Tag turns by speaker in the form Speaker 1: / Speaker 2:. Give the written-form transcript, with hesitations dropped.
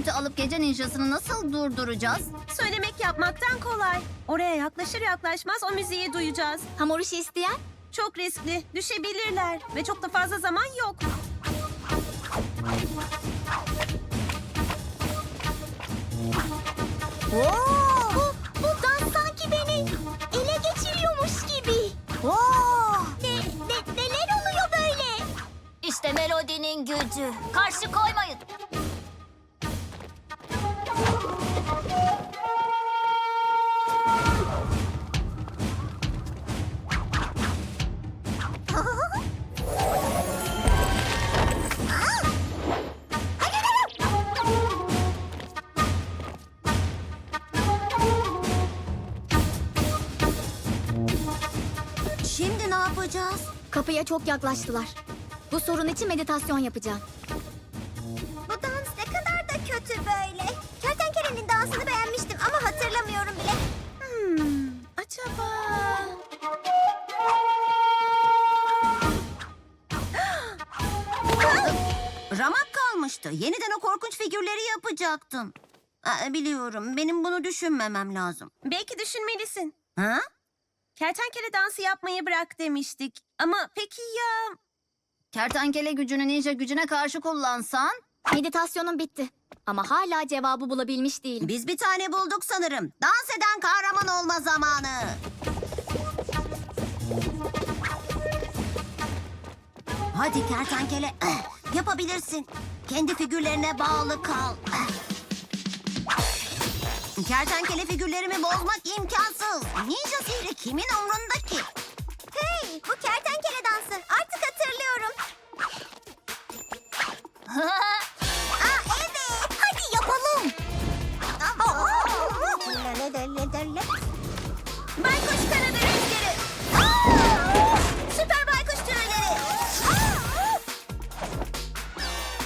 Speaker 1: roketi alıp gece ninjasını nasıl durduracağız?
Speaker 2: Söylemek yapmaktan kolay. Oraya yaklaşır yaklaşmaz o müziği duyacağız.
Speaker 3: Hamur işi isteyen?
Speaker 2: Çok riskli, düşebilirler ve çok da fazla zaman yok.
Speaker 3: Bu dans sanki beni ele geçiriyormuş gibi. Neler oluyor böyle?
Speaker 1: İşte melodinin gücü. Karşı koymayın.
Speaker 3: Şimdi ne yapacağız? Kapıya çok yaklaştılar. Bu sorun için meditasyon yapacağım. Bu dans ne kadar da kötü böyle. Kertenkelenin dansını beğenmiştim ama hatırlamıyorum bile.
Speaker 2: Acaba...
Speaker 4: Ramak kalmıştı. Yeniden o korkunç figürleri yapacaktın. Biliyorum. Benim bunu düşünmemem lazım.
Speaker 2: Belki düşünmelisin.
Speaker 4: Ha?
Speaker 2: Kertenkele dansı yapmayı bırak demiştik. Ama peki ya...
Speaker 1: Kertenkele gücünü ninja gücüne karşı kullansan?
Speaker 3: Meditasyonum bitti. Ama hala cevabı bulabilmiş değilim.
Speaker 4: Biz bir tane bulduk sanırım. Dans eden kahraman olma zamanı. Hadi kertenkele. Yapabilirsin. Kendi figürlerine bağlı kal. Kertenkele figürlerimi bozmak imkansız. Ninja sihri kimin umrunda?